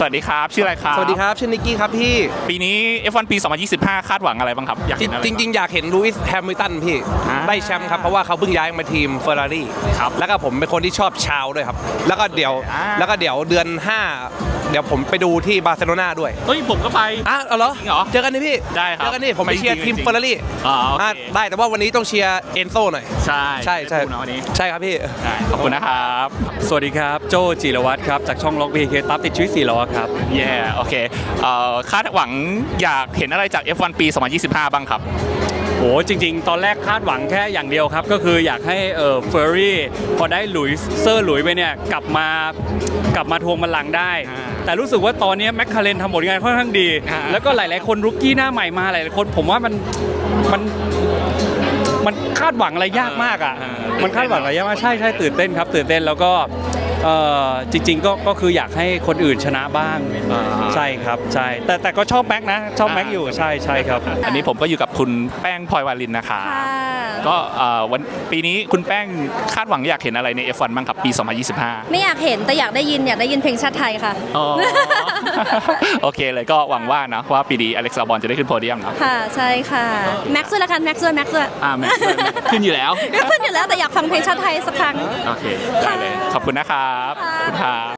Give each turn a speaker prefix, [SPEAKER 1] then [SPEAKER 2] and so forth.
[SPEAKER 1] สวัสดีครับชื่ออะไรครับ
[SPEAKER 2] สวัสดีครับชื่อนิกกี้ครับพี่
[SPEAKER 1] ปีนี้ F1 ปี 2025 คาดหวังอะไรบ้างครับอยากเห็นอะไร
[SPEAKER 2] จริงๆอยากเห็นลูอิสแฮมิลตันพี่ได้แชมป์ครับเพราะว่าเขาเพิ่งย้ายมาทีมเฟอร์รารี่
[SPEAKER 1] ครับ
[SPEAKER 2] แล้วก็ผมเป็นคนที่ชอบชาวด้วยครับแล้วก็เดี๋ยวเดือน 5เดี๋ยวผมไปดูที่บาร์เซโลนาด้วย
[SPEAKER 1] เฮ้ยผมก็ไป
[SPEAKER 2] เอาเหรอ
[SPEAKER 1] จริงเหรอ
[SPEAKER 2] เจอกันนี่พี่
[SPEAKER 1] ได้ครับ
[SPEAKER 2] เจอกันนี่ผมไปเชียร์ทีมเฟอร์รารี่ได้แต่ว่าวันนี้ต้องเชียร์เอนโซหน่อย
[SPEAKER 1] ใช่
[SPEAKER 2] ใช่
[SPEAKER 1] นะวันนี้
[SPEAKER 2] ใช่ครับพี่
[SPEAKER 1] ขอบคุณนะครับ
[SPEAKER 3] สวัสดีครับโจจิรวัตรครับจากช่องล็อกบีเคตับติดชีวิต4ล้อครับ
[SPEAKER 1] โอเคคาดหวังอยากเห็นอะไรจาก F1 ปี 2025 บ้างครับ
[SPEAKER 3] โอ้จริงๆตอนแรกคาดหวังแค่อย่างเดียวครับก็คืออยากให้เฟอร์รี่พอได้หลุยส์ไปเนี่ยกลับมาทวงบัลลังก์ได้แต่รู้สึกว่าตอนนี้แมคคาเรนทำผลงานค่อนข้างดีแล้วก็หลายๆคนรุกกี้หน้าใหม่มาหลายๆคนผมว่ามันคาดหวังอะไรยากมากอ่ะมันคาดหวังอะไรยากมากใช่ตื่นเต้นครับตื่นเต้นแล้วก็จริงๆก็คืออยากให้คนอื่นชนะบ้างใช่ครับใช่แต่ก็ชอบแม็กนะชอบแม็กอยู่ใช่ครับ
[SPEAKER 1] อันนี้ผมก็อยู่กับคุณแป้งพลอยวาลินนะคะก็วันปีนี้คุณแป้งคาดหวังอยากเห็นอะไรใน F1 บ้างครับปี 2025
[SPEAKER 4] ไม่อยากเห็นแต่อยากได้ยินเพลงชาติไทยค่ะ
[SPEAKER 1] โอเคเลยก็หวังว่านะว่าปีนี้อเล็กซ์ ลาบอนจะได้ขึ้นโพเดียมนะ
[SPEAKER 4] ค่ะใช่ค่ะแม็กซ์ด้วยละกันแม็กซ์ด้วย
[SPEAKER 1] แม็กซ์ขึ้นอยู่แล้ว
[SPEAKER 4] ขึ้นอยู่แล้วแต่อยากฟังเพลงชาติไทยสักครั้ง
[SPEAKER 1] โอเคได้เลยขอบคุณนะครับขอบคุณครับ